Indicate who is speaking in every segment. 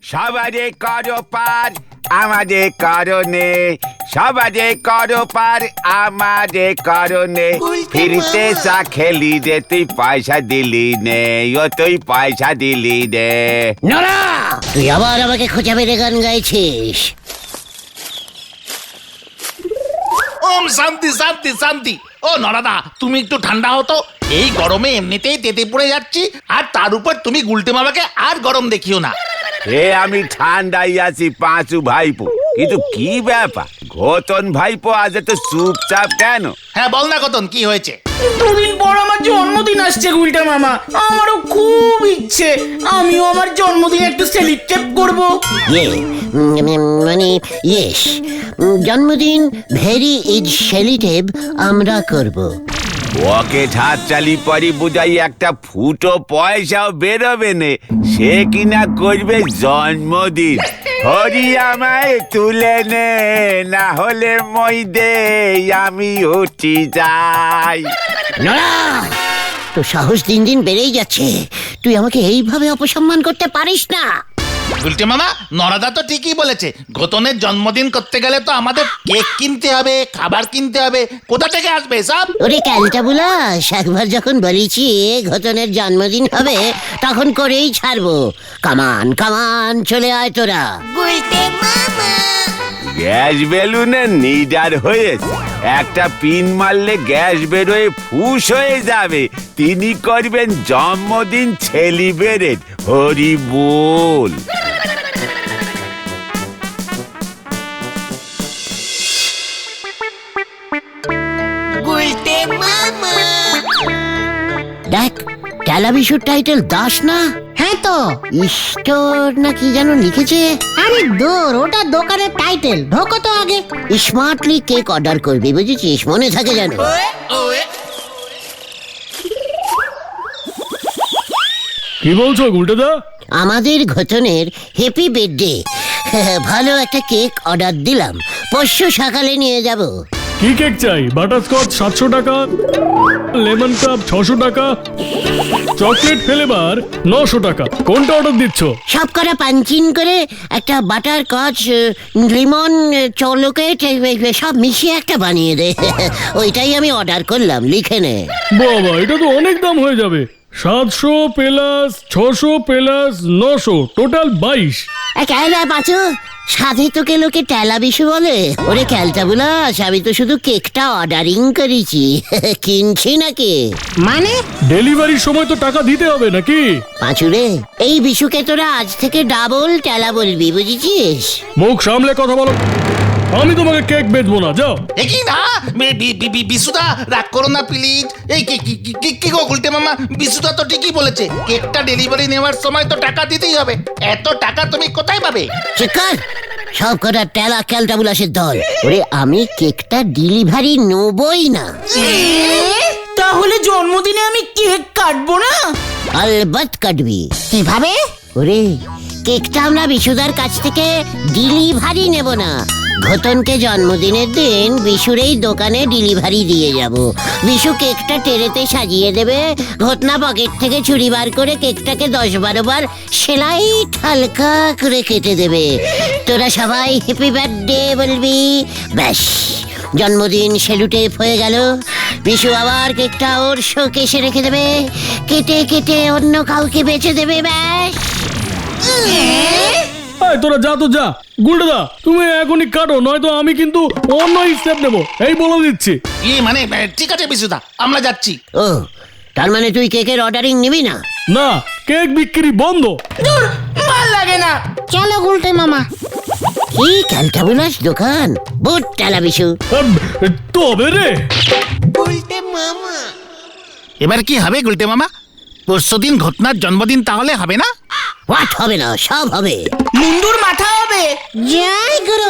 Speaker 1: সবারে করো পার আমাদের কারণে, সবারে করো পার আমাদের কারণে। ফিরতে চা খেলি রে, তুই পয়সা দিলি নে, ও তুই পয়সা দিলি নে।
Speaker 2: নড়া, তুই আবার আমাকে খোঁজা মেরে গান গাইছিস।
Speaker 3: ওম শান্তি শান্তি শান্তি। ও নরাদা, তুমি একটু ঠান্ডা হতো। এই গরমে এমনিতেই তেতে পড়ে যাচ্ছি, আর তার উপর তুমি গুলটে মামাকে আর গরম দেখিও না।
Speaker 1: আমি ঠান্ডাই আছি পাঁচু ভাইপো, কিন্তু কি ব্যাপার ঘটন ভাইপো আজ এত চুপচাপ কেন?
Speaker 3: হ্যাঁ বল না কতন, কি হয়েছে?
Speaker 4: দুদিন পর আমার জন্মদিন আসছে গুলটা মামা, আমারও খুব ইচ্ছে আমিও আমার জন্মদিন একটু সেলিব্রেট করব।
Speaker 2: মানে ইয়েস, জন্মদিন ভেরি ইজ সেলিটেভ আমরা করব।
Speaker 1: ওকে হাত চালি পরি বুঝাই একটা ফুটো পয়সাও বেরোবে নে, সে কিনা করবে জন্মদিন। হরি আমায় তুলে নে, না হলে মই দে আমি উঠি যাই।
Speaker 2: নড়া, তো সাহস দিন দিন বেড়েই যাচ্ছে, তুই আমাকে এইভাবে অপসম্মান করতে পারিস না।
Speaker 3: গুলটে মামা, নরাদা তো ঠিকই বলেছে, ঘটনের জন্মদিন করতে গেলে তো আমাদের কেক কিনতে হবে, খাবার কিনতে হবে, কোথা থেকে আসবে সব?
Speaker 2: ওরে ক্যালটা বুলাস, একবার যখন বলেছি ঘটনের জন্মদিন হবে তখন করেই ছাড়বো। কামান কামান চলে আয় তোরা।
Speaker 1: গ্যাস বেলুনে নিডার হয়েছে, একটা পিন মারলে গ্যাস বেরোয় ফুস হয়ে যাবে। তিনি করবেন জন্মদিন সেলিব্রেট। হরি বল।
Speaker 2: দেখ, টেলাভিশন টাইটেল দাস না?
Speaker 5: হ্যাঁ তো।
Speaker 2: স্টোর না কি যেন লিখেছে।
Speaker 5: আরে দূর, ওটা দোকানের টাইটেল, ঢোকো তো আগে।
Speaker 2: স্মার্টলি কেক অর্ডার করবি, বুঝেছিস? মনে থাকে যেন।
Speaker 6: কি বলছো গুলটেদা?
Speaker 2: আমাদের ঘটনের হ্যাপি বার্থডে, ভালো একটা কেক অর্ডার দিলাম, পরশু সকালে নিয়ে যাব।
Speaker 6: কি কেক চাই? বাটারস্কচ 700 টাকা, লেমন কাপ 600 টাকা, চকলেট ফ্লেভার 900 টাকা। কোনটা অর্ডার দিচ্ছ?
Speaker 2: সব করা পাঞ্চিন করে একটা বাটার কচ, লিমন, চকলেট সব মিশিয়ে একটা বানিয়ে দে। ওইটাই আমি অর্ডার করলাম, লিখে নে।
Speaker 6: বাবা, এটা তো অনেক দাম হয়ে যাবে। 700 প্লাস 600 প্লাস 900, টোটাল 22।
Speaker 2: ক্যালা পাচু, সাধে তোকে লোকে টেলা বিশু বলে? ওরে ক্যালটা বুলাস, আমি তো শুধু কেকটা অর্ডারিং করেছি, কিনছি নাকি।
Speaker 5: মানে
Speaker 6: ডেলিভারির সময় তো টাকা দিতে হবে নাকি?
Speaker 2: পাঁচুরে, এই বিশুকে তোরা আজ থেকে ডাবল টেলা বলবি, বুঝেছিস?
Speaker 6: মুখ সামলে কথা বলো। আমি তোমাকে কেক বেচবো না, যাও।
Speaker 3: কি না বিশুদা, রাগ করো না প্লিজ। এই কি গো গুলটে মামা, বিশুদা তো ঠিকই বলেছে, কেকটা ডেলিভারি নেওয়ার সময় তো টাকা দিতেই হবে। এত টাকা তুমি কোথায় পাবে?
Speaker 2: চিকার, সব কটা টেলা ক্যালটা বুলাসের দল। ওরে আমি কেকটা ডেলিভারি নেবই না।
Speaker 4: তাহলে জন্মদিনে আমি কেক কাটবো না?
Speaker 2: আলবাত কাটবি।
Speaker 5: কিভাবে?
Speaker 2: ওরে, কেকটা আমরা বিশুদার কাছ থেকে ডেলিভারি নেব না, ঘটনকে জন্মদিনের দিন বিশুর এই দোকানে ডেলিভারি দিয়ে যাব। বিশু কেকটা টেরেতে সাজিয়ে দেবে, ঘটনা পকেট থেকে ছুরি বার করে কেকটাকে 10-12 বার সেলাই হালকা করে কেটে দেবে। তোরা সবাই হ্যাপি বার্থডে বলবি, ব্যাস জন্মদিন সেলুটেপ হয়ে গেল। বিশু আবার কেকটা ওর শোকেসে রেখে দেবে, কেটে কেটে অন্য কাউকে বেচে দেবে, ব্যাস।
Speaker 6: এই তোরা যা তো যা। গুলটেদা, তুমি এখনই কাটো, নয়তো আমি কিন্তু অন্য স্টেপ নেবো, এই বলে দিচ্ছি।
Speaker 3: মানে ঠিক আছে বিশুদা, আমরা যাচ্ছি।
Speaker 2: ও, তার মানে তুই কেকের অর্ডারিং নিবি না?
Speaker 6: না, কেক বিক্রি বন্ধ।
Speaker 4: দূর, ভাল লাগে না।
Speaker 5: চলো গুলটে মামা।
Speaker 2: কি ক্যালটা বুলাস দোকান, বুট টেলা বিশু।
Speaker 6: তবে রে,
Speaker 3: এবার কি হবে গুলটে মামা? পরশুদিন ঘটনার জন্মদিন, তাহলে হবে না?
Speaker 2: হোয়াট হবে না? সব হবে।
Speaker 4: মুন্ডুর মাথা হবে।
Speaker 5: জয় গুরু।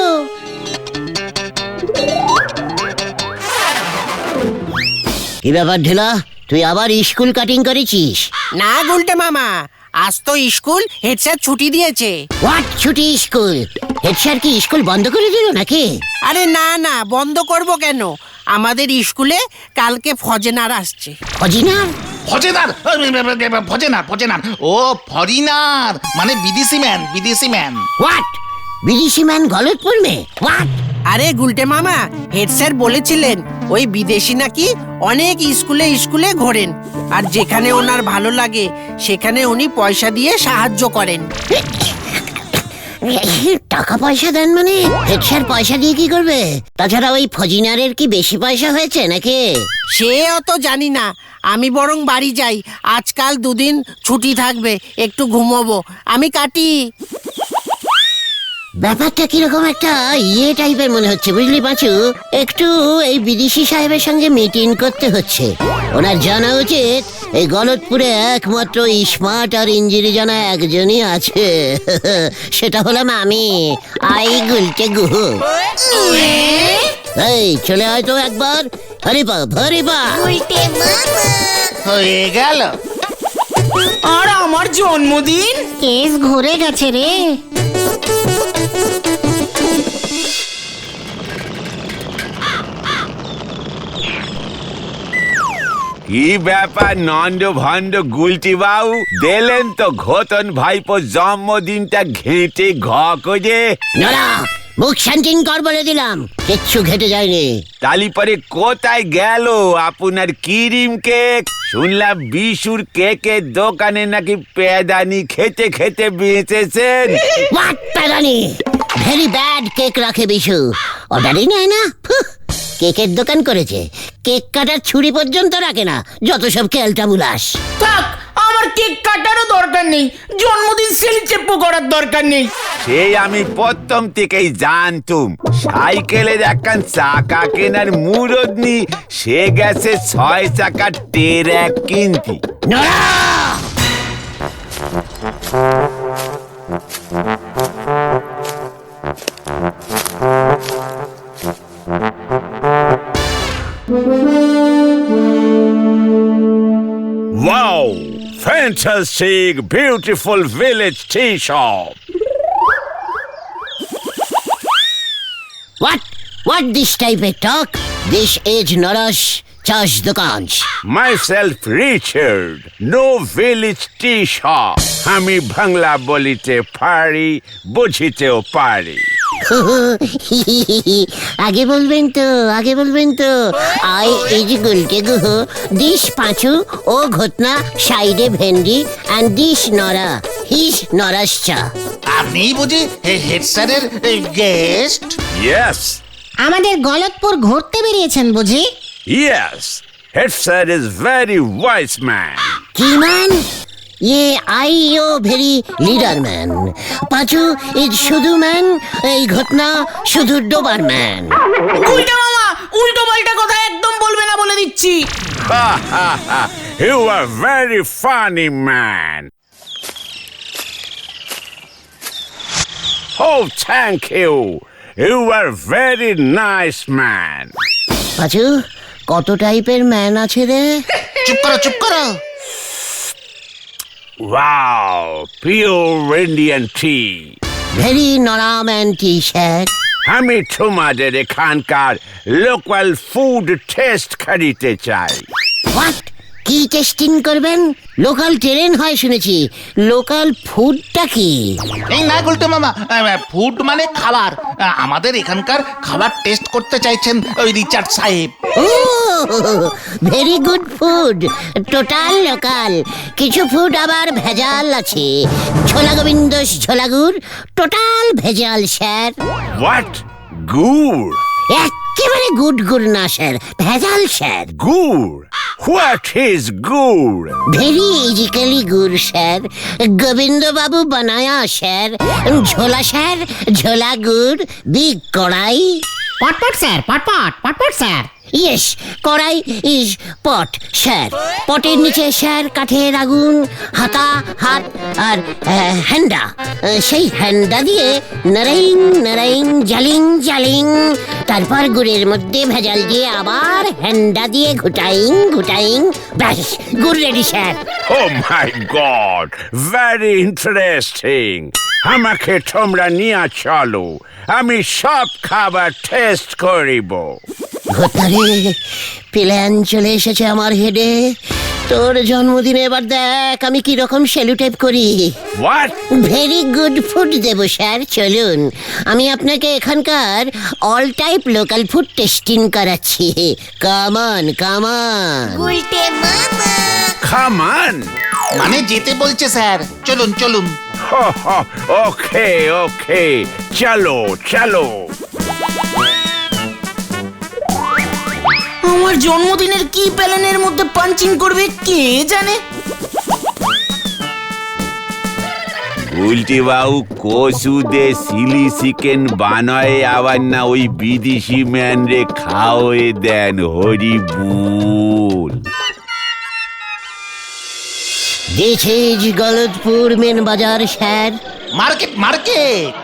Speaker 2: কি ব্যাপার ঢেলা, তুই আবার স্কুল কাটিং করেছিস?
Speaker 7: না গুলটে মামা, আজ তো স্কুল হেড স্যার ছুটি দিয়েছে।
Speaker 2: হোয়াট ছুটি স্কুল? হেড স্যার কি স্কুল বন্ধ করে দিল নাকি?
Speaker 7: আরে না না, বন্ধ করব কেন? আমাদের স্কুলে কালকে ফজেনার আসছে।
Speaker 2: অজিনার
Speaker 3: ফজেনার ফজেনার ও ফরিনার মানে বিদেশি ম্যান
Speaker 2: হোয়াট? বিদেশি ম্যান গলতপুর মে হোয়াট?
Speaker 7: আরে গুলটে মামা, হেড স্যার বলেছিলেন ওই বিদেশি নাকি অনেক স্কুলে ঘোরেন, আর যেখানে ওনার ভালো লাগে সেখানে উনি পয়সা দিয়ে সাহায্য করেন।
Speaker 2: টাকা পয়সা দেন মানে? হেড স্যার পয়সা দিয়ে কি করবে? তাছাড়া ওই ফজিনারের কি বেশি পয়সা হয়েছে নাকি?
Speaker 7: সে অত জানি না, আমি বরং বাড়ি যাই, আজকাল দুদিন ছুটি থাকবে, একটু ঘুমোবো, আমি কাটি।
Speaker 2: ব্যাপারটা কিরকম একটা টাইপের মনে হচ্ছে বুঝলি পাঁচু। একটু এই বিদেশি সাহেবের সঙ্গে মিটিং করতে হচ্ছে। ওনার জানা উচিত এই গলতপুরে একমাত্র স্মার্ট আর ইঞ্জিনি জানা একজনই আছে, সেটা হলাম আমি, আই গুলটে গুহু। এই চলে আয় তো একবার, হরিপা হরিপা।
Speaker 3: হয়ে গেল।
Speaker 4: আর আমার জন্মদিন?
Speaker 5: কেস ঘুরে গেছে রে।
Speaker 1: কি ব্যাপার নন্দ ভন্ড গুলটি বাবু, দিলেন তো ঘোতন ভাইপো জন্মদিনটা ঘেঁটে ঘ করে।
Speaker 2: নড়া, মুখ শান্তিন কর বলে দিলাম, কিচ্ছু ঘেটে যায়নি।
Speaker 1: তালি পরে কোথায় গেল আপনার ক্রিম কেক? শুনলাম বিশুর কেকের দোকানে নাকি পেদানি খেতে খেতে বেঁচেছেন।
Speaker 2: হোয়াট প্যারানি? ভেরি ব্যাড কেক রাখে বিশু, অর্ডারই নেয় না। কেকের দোকান করেছে, কেক কাটার ছুরি পর্যন্ত রাখে না, যত সব খেলটা বুলাস।
Speaker 4: থাক, আমার কেক কাটারও দরকার নেই, জন্মদিন সেলিব্রেট করার দরকার নেই।
Speaker 1: সেই আমি প্রথম থেকেই জানতুম সাইকেলের একখান চাকা কেনার মুরদ নি, সে গেছে 6 চাকার টেরাক কিনতি।
Speaker 2: নড়া!
Speaker 1: Wow! Fantastic, beautiful village tea shop.
Speaker 2: What this type of talk? This is Nara's চাষ দোকান।
Speaker 1: Myself Richard, no village tea shop. আমি বাংলা বলিতে পারি, বুঝিতেও পারি।
Speaker 2: আগে বলবেন তো I is Gulke Guha, this Panchu ও ঘটনা, সাইডে ভেন্ডি অ্যান্ড দিস নরা, হিস নরাস চা।
Speaker 3: আপনি বুঝি হেড স্যারের গেস্ট?
Speaker 1: Yes,
Speaker 5: আমাদের গলতপুর ঘুরতে বেরিয়েছেন বুঝি?
Speaker 1: yes. Head sir is very wise man.
Speaker 2: কি ম্যান? ये आई ओ very leader man. Panchu is শুধু ম্যান, এই ঘটনা শুধু ডোবার ম্যান।
Speaker 4: উল্টা মামা, উল্টো পাল্টা কথা একদম বলবে না বলে দিচ্ছি।
Speaker 1: Ha ha ha! You are very funny man. Oh, thank you. You are very nice man.
Speaker 2: পাঁচু, কত টাইপের ম্যান আছে রে?
Speaker 3: চুপ করো।
Speaker 1: Wow, pure Indian tea.
Speaker 2: Very নরা ম্যান টি শার্ট।
Speaker 1: আমি তোমাদের এখানকার লোকাল ফুড টেস্ট করিতে চাই।
Speaker 2: হোয়াট? কি টেস্টিং করবেন? লোকাল ট্রেন হয় শুনেছি, লোকাল ফুডটা কি?
Speaker 3: এই না গুলটে মামা, ফুড মানে খাবার। আমাদের এখানকার খাবার টেস্ট করতে চাইছেন ওই রিচার্ড সাহেব।
Speaker 2: ও very good food, total local. কিছু ফুড আবার ভেজাল আছে, ছোলা গোবিন্দ ছোলা গুড়, টোটাল ভেজাল স্যার।
Speaker 1: What? Good?
Speaker 2: একেবারে গুড গুড় না স্যার, ভেজাল sir.
Speaker 1: Good? What is good?
Speaker 2: Very ইজিক্যালি গুড় স্যার, গোবিন্দ বাবু বানায়া স্যার। ঝোলা স্যার, ঝোলা গুড়, বিগ কড়াই।
Speaker 5: পটপট স্যার, পটপট sir.
Speaker 2: Yes, kadai is pot sir. পটের নিচে স্যার কাঠের আগুন, হাতা হাত আর হ্যান্ডা। সেই হ্যান্ডা দিয়ে নারাইং নারাইং জালিং জালিং, তারপর গুড়ের মধ্যে ভেজাল দিয়ে আবার হ্যান্ডা দিয়ে ঘুটাইং ঘুটাইং, ব্যাস গুড় ready sir.
Speaker 1: Oh my God! Very interesting. আমাকে তোমরা নিয়ে চলো, আমি সব খাবার টেস্ট করিব।
Speaker 2: ঘটারে প্ল্যান চলে এসেছে আমার হেডে। তোর জন্মদিনে এবার দেখ আমি কি রকম সেলুটেপ করি।
Speaker 1: হোয়াট?
Speaker 2: ভেরি গুড ফুড দেব স্যার, চলুন আমি আপনাকে এখানকার all type local food tasting করাচ্ছি। কামান কামান।
Speaker 1: খামান।
Speaker 3: মানে যেতে বলছে স্যার, চলুন চলুন।
Speaker 1: ওকে ওকে, চলো চলো।
Speaker 4: আমার জন্মদিনের কি প্যালেনের মধ্যে পাঞ্চিং করবে কে জানে।
Speaker 1: উল্টি বাবু কচু দে চিলি চিকেন বানায় আবার না ওই বিদেশি ম্যান রে খাওয়ে দেন হরি বুল।
Speaker 2: This is Galatpur main bazaar sir.
Speaker 3: Market market.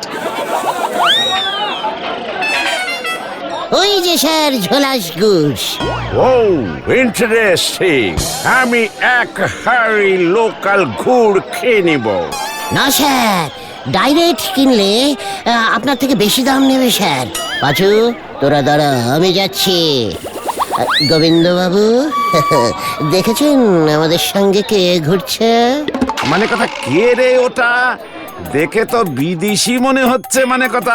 Speaker 2: ওই যে স্যার ঝোলাস গুস।
Speaker 1: ও ইন্টারেস্টিং, আমি এক হাড়ি লোকাল গুড় খেয়ে নিব।
Speaker 2: না স্যার, ডাইরেক্ট কিনলে আপনার থেকে বেশি দাম নেবে স্যার। পাঁচু তোরা দাঁড়া, আমি যাচ্ছি। গোবিন্দ বাবু দেখেছেন আমাদের সঙ্গে কে ঘুরছে?
Speaker 1: মানে কথা কে রে ওটা? দেখে তো বিদেশি মনে হচ্ছে মানে কথা।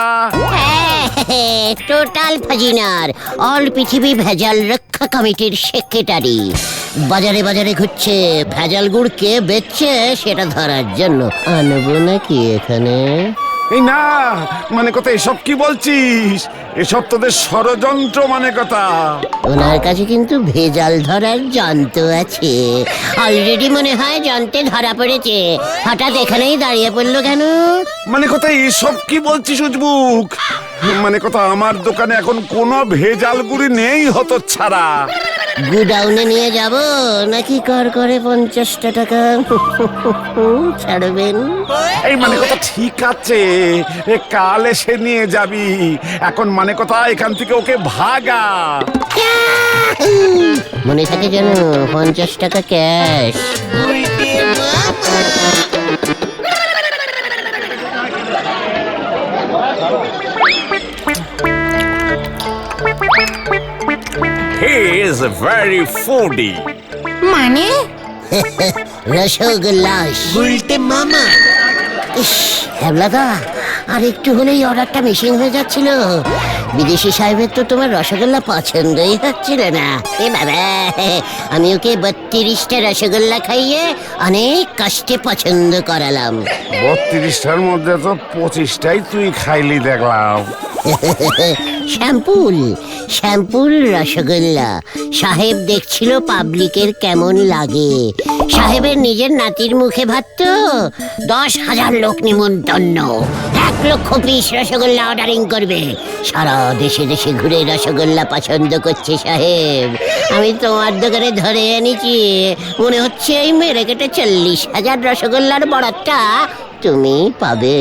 Speaker 2: টোটাল ফাজিনার, অল পৃথিবী ভেজাল রক্ষা কমিটির সেক্রেটারি। বাজারে বাজারে ঘুরছে, ভেজাল গুড় কে বেচছে সেটা ধরার জন্য। আনবো নাকি এখানে?
Speaker 1: এই না, মানে কথা এসব কি বলছিস? এসব তোদের ষড়যন্ত্র মানে কথা।
Speaker 2: ওনার কাছে কিন্তু ভেজাল ধরার যন্ত্র আছে। অলরেডি মনে হয় যন্ত্রে ধরা পড়েছে। হঠাৎ এখানেই দাঁড়িয়ে পড়লো কেন?
Speaker 1: মানে কথা এসব কি বলছিস উজবুক? মানে কথা আমার দোকানে এখন কোনো ভেজাল গুড়ি নেই হতো ছাড়া।
Speaker 2: গুডাউনে নিয়ে যাব নাকি কর করে 50টা টাকা ছাড়বেন?
Speaker 1: এই মানে কথা ঠিক আছে, কাল এসে নিয়ে যাবি। এখন মানে কথা এখান থেকে ওকে ভাগা।
Speaker 2: মনে থাকে যেন 50 টাকা cash.
Speaker 1: He is very foodie.
Speaker 5: মানে
Speaker 2: রসগোল্লাস
Speaker 7: উল্টে মামা।
Speaker 2: ইস হ্যাবলাদা, আর একটু হলেই অর্ডারটা মিসিং হয়ে যাচ্ছিল। বিদেশি সাহেবের তো তোমার রসগোল্লা পছন্দই হচ্ছিল না। এ বাবা, আমি ওকে 32টা রসগোল্লা খাইয়ে অনেক কষ্টে পছন্দ করালাম।
Speaker 1: 32টার মধ্যে তো 25টাই তুই খাইলি দেখলাম।
Speaker 2: শ্যাম্পুল শ্যাম্পুল রসগোল্লা। সাহেব দেখছিল পাবলিকের কেমন লাগে। সাহেবের নিজের নাতির মুখে ভাত তো। 10,000 লোক নিমন্ত্রণ, 1 লক্ষ পিস রসগোল্লা অর্ডারিং করবে। সারা দেশে দেশে ঘুরে রসগোল্লা পছন্দ করছে সাহেব। আমি তোমার দোকানে ধরে এনেছি, মনে হচ্ছে এই মেরে কেটে 40,000 রসগোল্লার বরাতটা তুমি পাবে।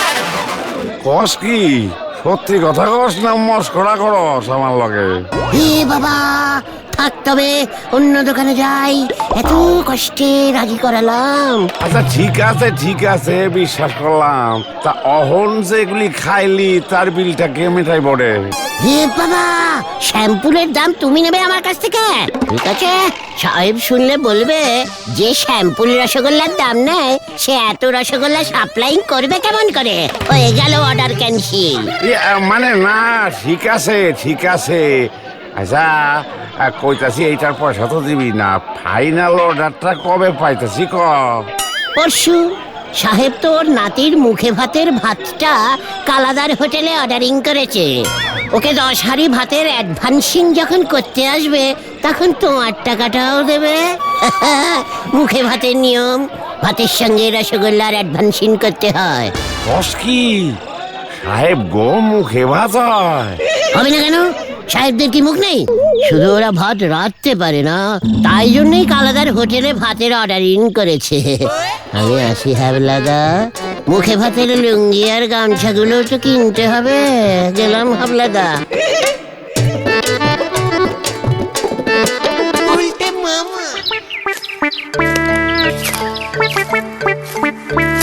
Speaker 1: কস কি? সত্যি কথা কস না মস্করা করস আমার লগে?
Speaker 2: এ বাবা, থাক তবে অন্য দোকানে যাই। এত কষ্টে রাজি করালাম।
Speaker 1: আচ্ছা ঠিক আছে বিশ্বাস করলাম। তা অহন যেগুলি খাইলি তার বিলটা কে মেটাই পড়ে?
Speaker 2: এ বাবা, শ্যাম্পুলের দাম তুমি নেবে আমার কাছ থেকে? ঠিক আছে, সাহেব শুনলে বলবে যে শ্যাম্পুল রসগোল্লার দাম নেয় সে এত রসগোল্লা সাপ্লাই করবে কেমন করে। হয়ে গেল অর্ডার ক্যান্সেল।
Speaker 1: মানে না, ঠিক আছে। আচ্ছা কইতাছি এইটার পয়সা তো দিবি না। ফাইনাল অর্ডারটা কবে পাইতাছি ক?
Speaker 2: পরশু। সাহেব তো ওর নাতির মুখে ভাতের ভাতটা কালাদার হোটেলে অর্ডারিং করেছে। ওকে 10 হাঁড়ি ভাতের অ্যাডভান্সিং যখন করতে আসবে তখন তোমার টাকাটাও দেবে। মুখে ভাতের নিয়ম, ভাতের সঙ্গে রসগোল্লার অ্যাডভান্সিং করতে হয়।
Speaker 1: কস কি? সাহেব গো মুখে ভাত হয়?
Speaker 2: হবে না কেন? সাহেবদের কি মুখ নেই? শুধু ওরা ভাত রাঁধতে পারে না, তাই জন্যই কালাদার হোটেলে ভাতের অর্ডারিং করেছে। আমি আসি হাবলাদা, মুখে ভাতের লুঙ্গি আর গামছাগুলো তো কিনতে হবে। গেলাম হাবলাদা।
Speaker 7: উল্টে মামা।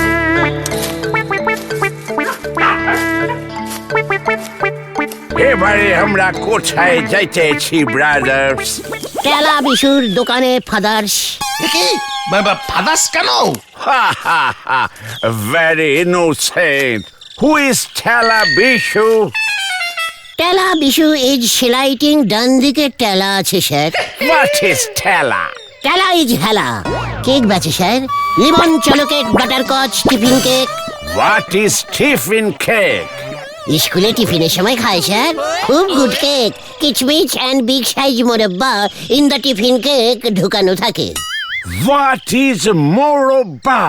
Speaker 1: এ ভাই আরে আমরা কোথায় যাইতেছি ব্রাদার্স?
Speaker 2: টেলা বিশুর দোকানে ফাদার্স।
Speaker 3: কি ফাদার্স কেন?
Speaker 1: Ha ha ha! Very innocent. Who is Tela Bishu?
Speaker 2: টেলা বিশু ইজ সেলাইটিং, ডান দিকে টেলা আছে স্যার।
Speaker 1: What is Tela?
Speaker 2: টেলা ইজ হেলা। কেক বেচে স্যার, লিমন চলো cake, butterscotch, tiffin cake.
Speaker 1: What is tiffin cake?
Speaker 2: স্কুলে টিফিনের সময় খায় স্যার, খুব গুড কেক। কিচমিচ অ্যান্ড বিগ সাইজ মোরব্বা ইন দ্য টিফিন কেক ঢুকানো থাকে।
Speaker 1: What is Moroba?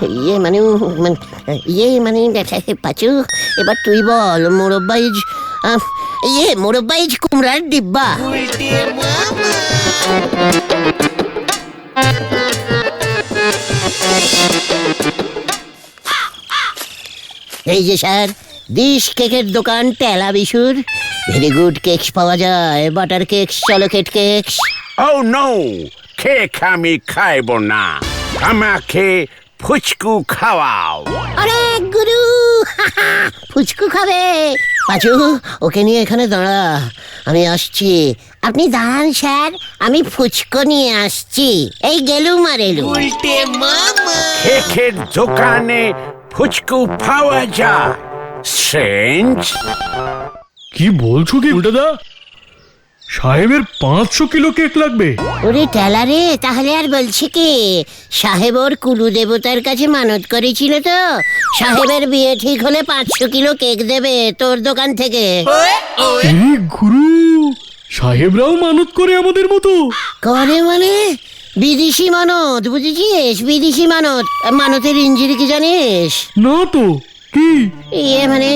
Speaker 2: ইয়ে মানে পাচু, এবার তুই বল। মোরব্বা ইজ মোরব্বা ইজ কুমড়ার ডিব্বা। এই যে স্যার, দিস কেকের দোকান টেলা বিশুর। ভেরি গুড কেকস পাওয়া যায়, butter cakes, chocolate cakes.
Speaker 1: Oh no! Cake আমি খাইব না। আমাকে ফুচকু খাওয়াও।
Speaker 2: আরে গুরু, ফুচকু খাবে? পাচু, ওকে নিয়ে এখানে দাঁড়া, আমি আসছি। আপনি দাঁড়ান স্যার, আমি ফুচকো নিয়ে আসছি। এই গেলুম আর এলুম।
Speaker 1: কেকের দোকানে ফুচকু পাওয়া যায়? Strange.
Speaker 6: কি বলছো কি উল্টাদা? সাহেবের 500 কিলো কেক লাগবে?
Speaker 2: ওরে টেলা রে, তাহলে আর বলছি কি, সাহেব ওর কুলু দেবতার কাছে মানত করেছিল তো, সাহেবের বিয়ে ঠিক হলে 500 কিলো কেক দেবে তোর দোকান থেকে।
Speaker 6: এই গুরু, সাহেবরাও মানত করে আমাদের মতো?
Speaker 2: করে মানে বিদেশি মানত, বুঝেছিস? বিদেশি মানত। মানতের ইঞ্জিরি কি জানিস?
Speaker 6: না তো, কি?
Speaker 2: ইয়ে মানে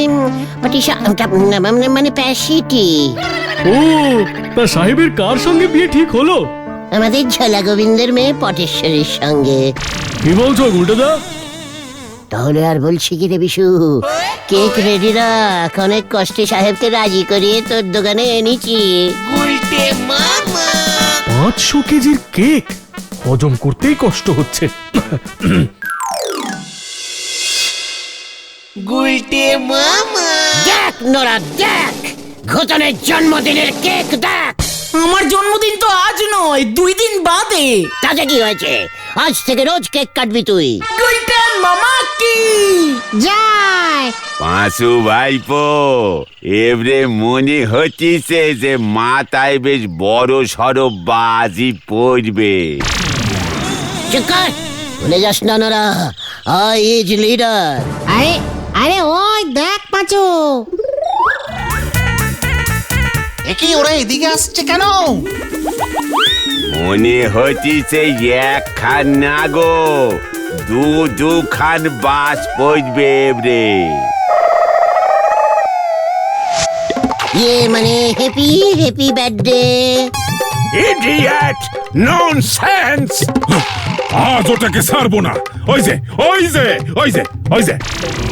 Speaker 2: মানে প্যাসিটি।
Speaker 6: ও, তা সাহেবের কার সঙ্গে বিয়ে ঠিক হলো?
Speaker 2: আমাদের ঝোলা গোবিন্দের মেয়ে পটেশ্বরীর সঙ্গে।
Speaker 6: কি বলছো উল্টাদা?
Speaker 2: তাহলে আর বলছি কি রে বিশু, কেক রেডি রাখ, অনেক কষ্টে সাহেবকে রাজি করিয়ে তোর দোকানে এনেছি।
Speaker 6: 500 কেজির কেক হজম করতেই কষ্ট হচ্ছে।
Speaker 2: দেখ নোরা, দেখ ঘটনের জন্মদিনের কেক দেখ।
Speaker 4: আমার জন্মদিন তো আজ নয়, 2 দিন বাদে।
Speaker 2: তাতে কি হয়েছে, আজ থেকে রোজ কেক কাটবি তুই।
Speaker 4: গুলটেন মামা কি
Speaker 5: যায়।
Speaker 1: পাঁচু ভাইপো, এবারে মনে হচ্ছে যে মাথায় বেশ বড় সড়ো বাজি পড়বে।
Speaker 2: চুপ কর, ভুলে যাস না নোরা, আই ইজ লিডার।
Speaker 5: আরে আরে ওই দেখ পাঁচু।
Speaker 3: কি ওরা এদিকে আসছে কেন?
Speaker 1: মনে হচ্ছে এক খান না গো, দু খান বাস পড়বে এবারে।
Speaker 2: ইয়ে মানে happy happy birthday.
Speaker 1: Idiot, nonsense!
Speaker 8: আজ ওটাকে ছাড়বো না। ওই যে ওই যে ওই যে ওই যে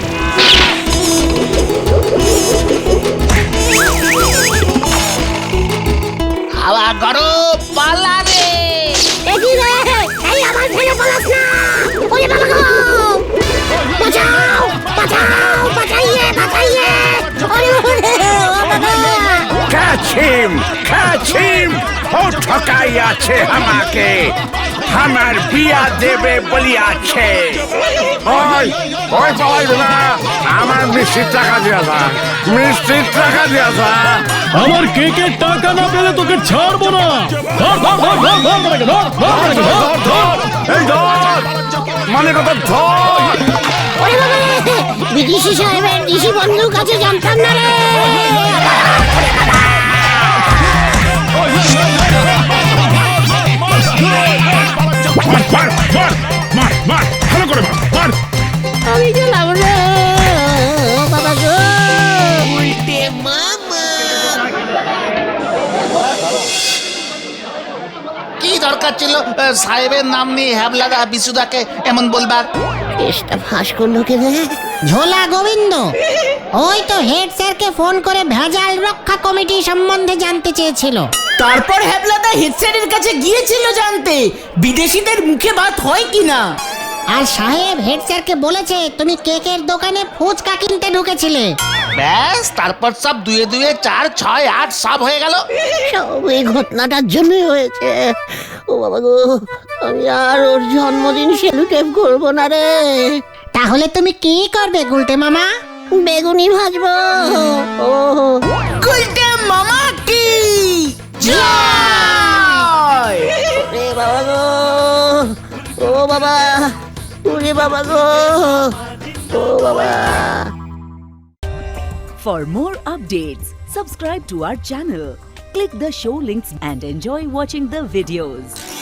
Speaker 3: হাওয়া গরম, পালা রে।
Speaker 2: এদি রে, এই আমার ফেলে পালাস না। ওরে বাবা গো, বাঁচাও বাঁচাও, বাঁচাইয়ে বাঁচাইয়ে। ওরে ওরে ও বাবা।
Speaker 1: Catch him! Catch him! ও ঠকাই আছে আমাকে, আমার বিয়া দেবে বলিয়াছে। ওই ওই পালাইবে না, আমার মিষ্টির টাকা দিয়া যা, মিষ্টির টাকা দিয়া যা।
Speaker 6: আমার কেকের টাকা না পেলে তোকে ছাড়বো না। ধর ধর ধর ধর ধর ধর ধর ধর ধর ধর।
Speaker 1: এই ধর, মানে কথা ধর।
Speaker 2: ওরে বাবা রে, বিদেশি সাহেবের দেশি বন্ধুর কাছে জানতাম না রে।
Speaker 8: মার মার মার মার মার, ভালো করে মার মার।
Speaker 2: আমি গেলাম রে, ও বাবা গো।
Speaker 3: কি দরকার ছিল সাহেবের নাম নিয়ে হ্যাবলাদা বিশুদাকে এমন বলবার?
Speaker 2: কেসটা ফাঁস করলো কে রে?
Speaker 5: ঝোলা গোবিন্দ ওই তো হেড স্যারকে ফোন করে ভেজাল রক্ষা কমিটি সম্বন্ধে জানতে চেয়েছিল।
Speaker 4: তারপর হ্যাবলাদা হেড স্যারের কাছে গিয়েছিল জানতে বিদেশিদের মুখে ভাত হয় কিনা।
Speaker 5: আর সাহেব হেড স্যারকে বলেছে তুমি কেকের দোকানে ফুচকা কিনতে ঢুকেছিলে।
Speaker 3: ব্যাস তারপর সব 2 2 4 6 8 সব হয়ে গেল।
Speaker 2: সব এই ঘটনাটার জন্যই হয়েছে। ও বাবা গো, আমি আর ওর জন্মদিন সেলিব্রেট করবো না রে।
Speaker 5: তাহলে তুমি কি করবে গুলটে মামা?
Speaker 2: বেগুনি ভাজবো। ও
Speaker 4: গুলটে মামা কি
Speaker 2: রে বাবা গো, ও বাবা, ওরে বাবা গো, ও বাবা।
Speaker 9: For more updates, subscribe to our channel, click the show links and enjoy watching the videos.